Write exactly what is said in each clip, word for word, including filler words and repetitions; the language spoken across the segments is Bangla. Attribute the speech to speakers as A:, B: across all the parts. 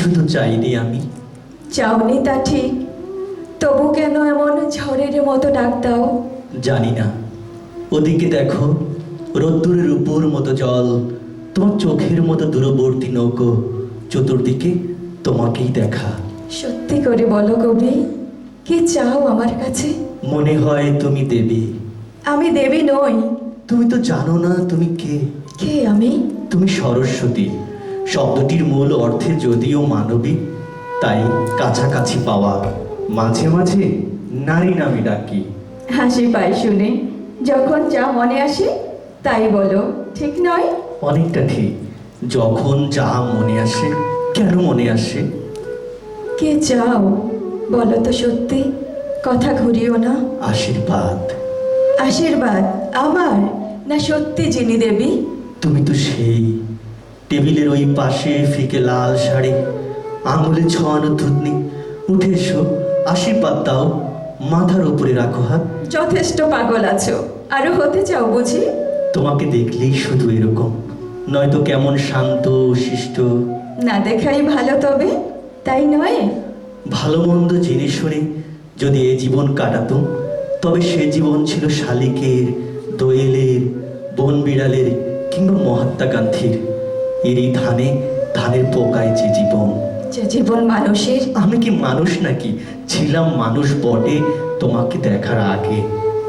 A: তো চাইনি আমি।
B: চাওনি তা ঠিক, তবু কেন এমন ঝড়ের মতো ডাক দাও?
A: জানি না। ওদিকে দেখো, রোদ্দুরের উপর মতো জল, তোমার চোখের মতো দূরবর্তী নৌকো, চতুর্দিকে তোমাকেই দেখা।
B: সত্যি করে বলো কবি, কি চাও আমার কাছে?
A: মনে হয় তুমি দেবী।
B: আমি দেবী নই।
A: তুমি তো জানো না তুমি কে।
B: কে আমি?
A: তুমি সরস্বতী। শব্দটির মূল অর্থে যদিও মানবী, তাই কাছাকাছি পাওয়া। মাঝে মাঝে নারী নামে ডাকি।
B: হাসি পাই শুনে, যখন যা মনে আসে তাই বলো, ঠিক নয়?
A: অনেকটা ঠিক। যখন যা মনে আসে। কেন মনে আসে?
B: কে চাও বলো তো সত্যি, কথা ঘুরিও না।
A: আশীর্বাদ।
B: আশীর্বাদ আমার, না সত্যি যিনি দেবী?
A: তুমি তো সেই। টেবিলের ওই পাশে ফিকে লাল শাড়ি, আঙুলে ছোঁয়ানো থুতনি। উঠে এসো, আশীর্বাদ দাও। মাথার উপরে রাখো হাত।
B: যথেষ্ট পাগল আছো, আরো হতে চাও বুঝি?
A: তোমাকে দেখলেই শুধু এরকম, নয়তো কেমন শান্ত শিষ্ট।
B: না দেখাই ভালো তবে, তাই নয়?
A: ভালো মন্দ জেনে শুনে যদি এ জীবন কাটাতুম, তবে সে জীবন ছিল শালিকের, দোয়েলের, বন বিড়ালের কিংবা মহাত্মা গান্ধীর। এরই ধানে ধানের পোকায় যে জীবন।
B: যে জীবন মানুষের।
A: আমি কি মানুষ নাকি? ছিলাম মানুষ বটে তোমাকে দেখার আগে।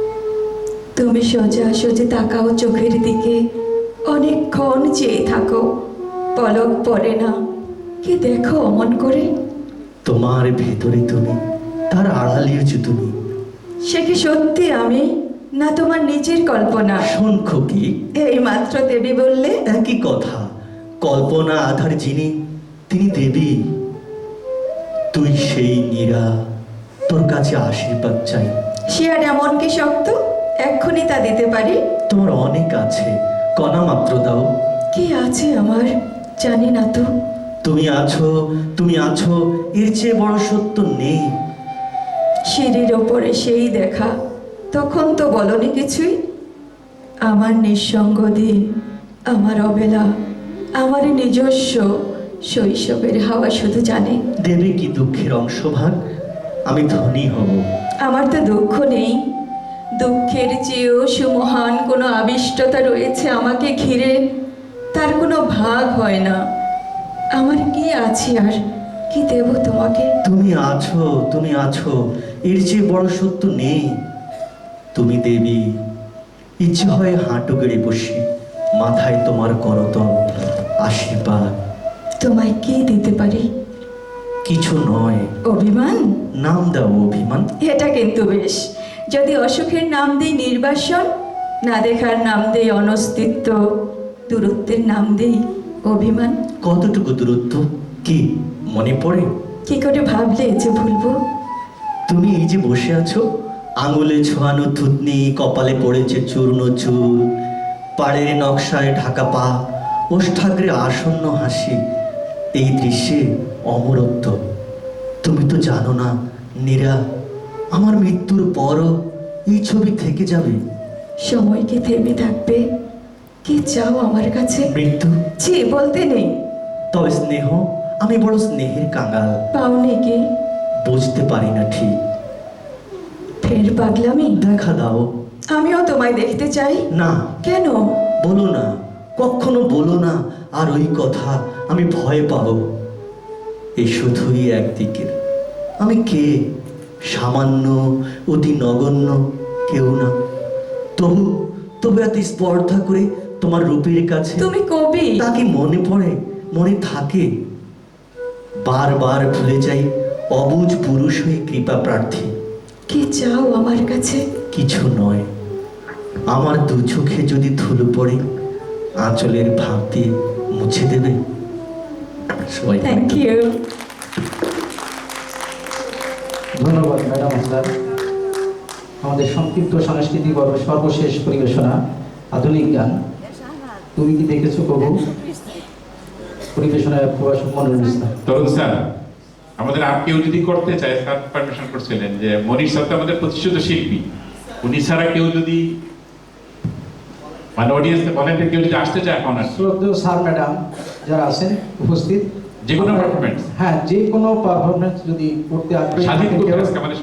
B: তুমি সোজা সোজা তাকাও চোখের দিকে, অনেকক্ষণ চেয়ে থাকো, পলক পড়ে না। কি দেখো অমন করে?
A: তোমার ভেতরে তুমি, তার আড়ালেও যে তুমি।
B: সে কি সত্যি আমি, না তোমার নিজের কল্পনা?
A: শঙ্খ কি?
B: এই মাত্র দেবী বললে।
A: একই কথা। কল্পনা আধার যিনি, তিনি দেবী। তুই সেই নীরা, তোর কাছে আশীর্বাদ চাই।
B: সে আর এমন কি শক্ত, এক্ষুনি তা দিতে পারি?
A: তোমার অনেক আছে, কণা মাত্র দাও।
B: কি আছে আমার, জানি না তো।
A: তুমি আছো, তুমি আছো, এর চেয়ে বড় সত্য নেই।
B: সিঁড়ির ওপরে সেই দেখা, তখন তো বলনি কিছুই। আমার নিঃসঙ্গ দিন, আমার অবেলা, আমার নিজস্ব শৈশবের হাওয়া শুধু জানে।
A: দেবে কি দুঃখের অংশভাগ? আমি ধনী হব।
B: আমার তো দুঃখ নেই, দুঃখের চেয়েও সুমহান কোনো আবিষ্টতা রয়েছে আমাকে ঘিরে, তার কোনো ভাগ হয় না। আমার কি আছে আর, কি দেব তোমাকে?
A: তুমি আছো, তুমি আছো, এর চেয়ে বড় সত্য নেই। তুমি দেবী। ইচ্ছে হয় হাঁটু গেড়ে বসি, মাথায় তোমার করতল, আশীর্বাদ।
B: তোমায় কি দিতে পারি?
A: কিছু নয়।
B: অভিমান?
A: নাম দাও অভিমান।
B: এটা কিন্তু বেশ। যদি অসুখের নাম দেই নির্বাসন, না দেখার নাম দেই অনস্তিত্ব, দূরত্বের নাম দেই অভিমান।
A: কতটুকু দূরত্ব কি মনে পড়ে?
B: কি করে ভাবলে যে ভুলবো?
A: তুমি এই যে বসে আছো, আঙুলে ছোঁয়ানো থুতনি, কপালে পড়েছে চূর্ণ চুল, পাড়ের নকশায় ঢাকা পা, ওষ্ঠাগ্রে আসন্ন হাসি। এই দৃশ্যে অমরত্ব। তুমি তো জানো না নীরা, আমার মৃত্যুর পরও এই ছবি থেকে যাবে।
B: সময় কি থেমে থাকবে? কি চাও আমার কাছে?
A: মৃত্যু?
B: ছি, বলতে নেই।
A: তবে স্নেহ, আমি বড় স্নেহের কাঙাল।
B: পাওনি কি?
A: বুঝতে পারি না ঠিক।
B: ফের পাগলামি?
A: দেখা দাও।
B: আমিও তোমায় দেখতে চাই।
A: না।
B: কেন?
A: বলো না, কখনো বলো না আর ওই কথা, আমি ভয় পাবো। এই শুধুই একদিকের। আমি কে? সামান্য, অতি নগণ্য, কেউ না। তবু তবু এত স্পর্ধা করে তোমার রূপের কাছে।
B: তুমি কবি?
A: তা কি মনে পড়ে, মনে থাকে? বারবার ভুলে যাই অবুঝ পুরুষ হয়ে কৃপা প্রার্থী।
B: কি চাও আমার কাছে?
A: কিছু নয়। আমার দু চোখে যদি ধুলো পড়ে, আঁচলের ভাব দিয়ে মুছে দেবে। সবাই
B: থ্যাংক ইউ।
C: ধন্যবাদ ম্যাডাম স্যার। আমাদের সংক্ষিপ্ত সাংস্কৃতিক পর্ব সর্বশেষ পরিবেশনা আধুনিক গান। তুমি কি দেখেছো কবু? পরিবেশনায় প্রবাসক মনোরঞ্জন ইসলাম।
D: তরুণ স্যার, আমাদের আর কেউ যদি করতে চায়, স্যার পারমিশন করছিলেন যে মনির স্যার তো আমাদের প্রতিষ্ঠিত শিল্পী, উনি ছাড়া কেউ যদি মানে অডিয়েন্সে বলেন যে কেউ যদি আসতে চায় এখন আর কি।
C: শ্রদ্ধেয় স্যার ম্যাডাম যারা আছেন উপস্থিত,
D: যে কোনো performance?
C: হ্যাঁ যে কোনো পারফরমেন্স যদি করতে আগ্রহী
D: স্বাধীন
C: থাকেন
D: করতে
C: কেউ,
D: আজকে আমাদের